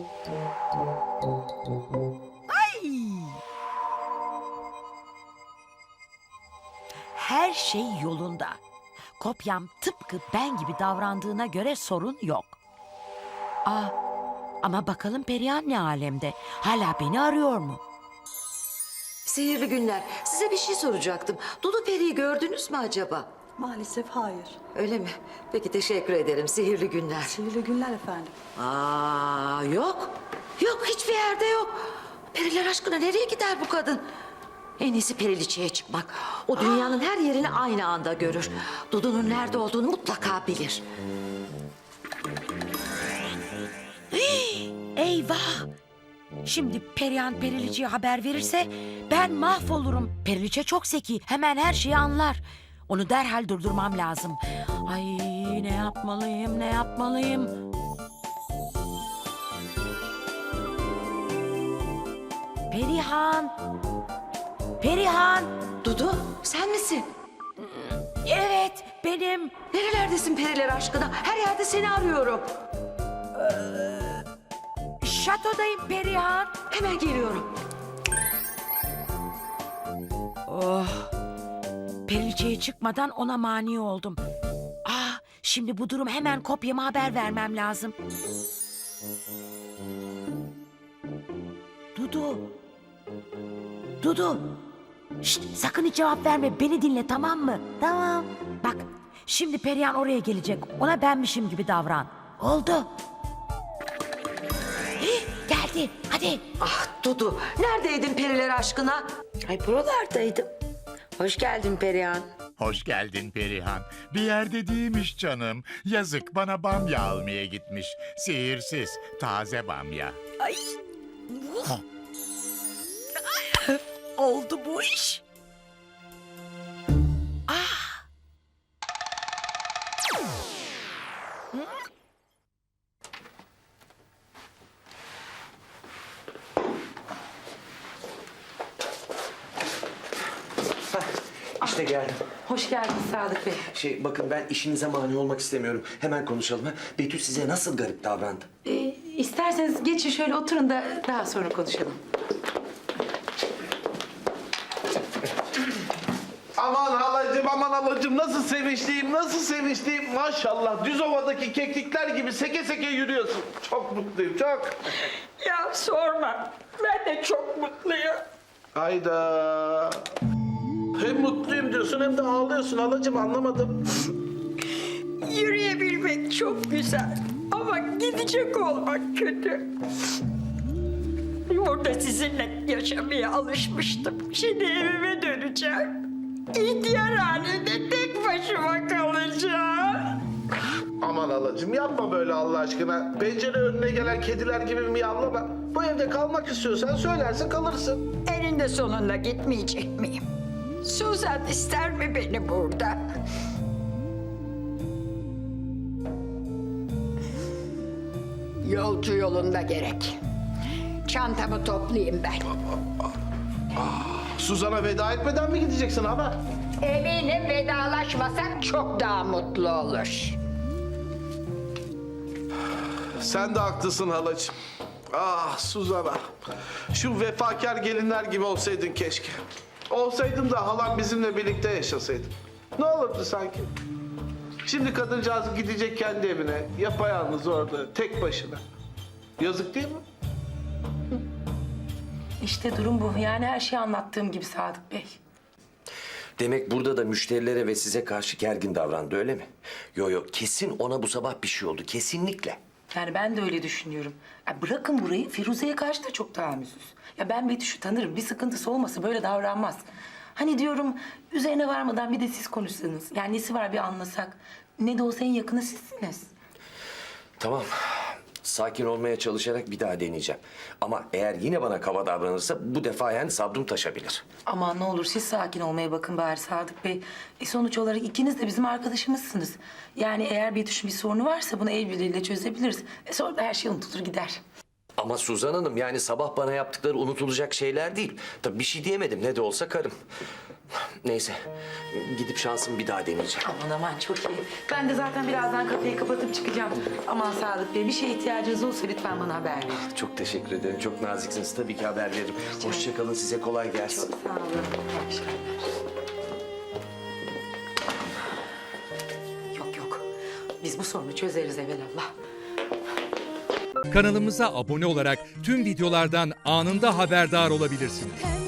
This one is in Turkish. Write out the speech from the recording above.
Ay! Her şey yolunda. Kopyam tıpkı ben gibi davrandığına göre sorun yok. Ama bakalım Perihan ne alemde? Hala beni arıyor mu? Sihirli günler. Size bir şey soracaktım. Dudu Peri'yi gördünüz mü acaba? Maalesef hayır. Öyle mi? Peki teşekkür ederim. Sihirli günler. Sihirli günler efendim. Yok. Yok, hiçbir yerde yok. Periler aşkına nereye gider bu kadın? En iyisi Periliçe'ye çıkmak. O dünyanın her yerini aynı anda görür. Dudu'nun nerede olduğunu mutlaka bilir. Eyvah! Şimdi Perihan Periliçe'ye haber verirse ben mahvolurum. Periliçe çok zeki. Hemen her şeyi anlar. Onu derhal durdurmam lazım. Ay ne yapmalıyım, ne yapmalıyım? Perihan! Perihan! Dudu, sen misin? Evet, benim. Nerelerdesin Periler aşkına? Her yerde seni arıyorum. Şatodayım Perihan. Hemen geliyorum. Periliçe'ye çıkmadan ona mani oldum. Şimdi bu durum hemen kopyama haber vermem lazım. Dudu. Dudu. Şşt, sakın hiç cevap verme. Beni dinle, tamam mı? Tamam. Bak, şimdi Perihan oraya gelecek. Ona benmişim gibi davran. Oldu. Geldi. Hadi. Ah Dudu, neredeydin Periler aşkına? Ay buralardaydım. Hoş geldin Perihan. Hoş geldin Perihan. Bir yerde değilmiş canım. Yazık, bana bamya almaya gitmiş. Sihirsiz, taze bamya. Ay. Oldu bu iş. İşte geldim. Hoş geldin Sadık Bey. Bakın ben işinize mani olmak istemiyorum. Hemen konuşalım. Ha? Betül size nasıl garip davrandı? İsterseniz geçin şöyle oturun da daha sonra konuşalım. Aman halacığım, aman halacığım, nasıl sevinçliyim, nasıl sevinçliyim. Maşallah, Düzova'daki keklikler gibi seke seke yürüyorsun. Çok mutluyum, çok. Ya sorma. Ben de çok mutluyum. Hayda. Hem mutluyum diyorsun hem de ağlıyorsun halacığım, anlamadım. Yürüyebilmek çok güzel. Ama gidecek olmak kötü. Burada sizinle yaşamaya alışmıştım. Şimdi evime döneceğim. İhtiyar halinde tek başıma kalacağım. Aman halacığım, yapma böyle Allah aşkına. Pencere önüne gelen kediler gibi miyavlama. Bu evde kalmak istiyorsan söylersin, kalırsın. Eninde sonunda gitmeyecek miyim? Suzan ister mi beni burada? Yolcu yolunda gerek. Çantamı toplayayım ben. Suzan'a veda etmeden mi gideceksin ama? Eminim vedalaşmasak çok daha mutlu olur. Sen de haklısın halacığım. Ah Suzan'a. Şu vefakar gelinler gibi olsaydın keşke. Olsaydın da halam bizimle birlikte yaşasaydın. Ne olurdu sanki? Şimdi kadıncağız gidecek kendi evine. Yapayalnız orada, tek başına. Yazık değil mi? İşte durum bu. Yani her şeyi anlattığım gibi Sadık Bey. Demek burada da müşterilere ve size karşı gergin davrandı, öyle mi? Yo, kesin ona bu sabah bir şey oldu. Kesinlikle. Yani ben de öyle düşünüyorum. Ya bırakın burayı, Firuze'ye karşı da çok tahammülsüz. Ya ben Betüş'ü tanırım. Bir sıkıntısı olmasa böyle davranmaz. Hani diyorum üzerine varmadan bir de siz konuşsanız. Yani nesi var bir anlasak. Ne de olsa en yakını sizsiniz. Tamam. Sakin olmaya çalışarak bir daha deneyeceğim. Ama eğer yine bana kaba davranırsa bu defa yani sabrım taşabilir. Aman ne olur siz sakin olmaya bakın bari Sadık Bey. Sonuç olarak ikiniz de bizim arkadaşımızsınız. Yani eğer Betüş'ün bir sorunu varsa bunu el birliğiyle çözebiliriz. Sonra da her şey unutulur gider. Ama Suzan Hanım, yani sabah bana yaptıkları unutulacak şeyler değil. Tabii bir şey diyemedim, ne de olsa karım. Neyse, gidip şansımı bir daha deneyeceğim. Aman aman çok iyi. Ben de zaten birazdan kapıyı kapatıp çıkacağım. Aman Sadık Bey, bir şeye ihtiyacınız olursa lütfen bana haber verin. Çok teşekkür ederim, çok naziksiniz. Tabii ki haber veririm. Hoşça kalın, size kolay gelsin. Çok sağ olun. İyi akşamlar. Yok. Biz bu sorunu çözeriz evelallah. Kanalımıza abone olarak tüm videolardan anında haberdar olabilirsiniz.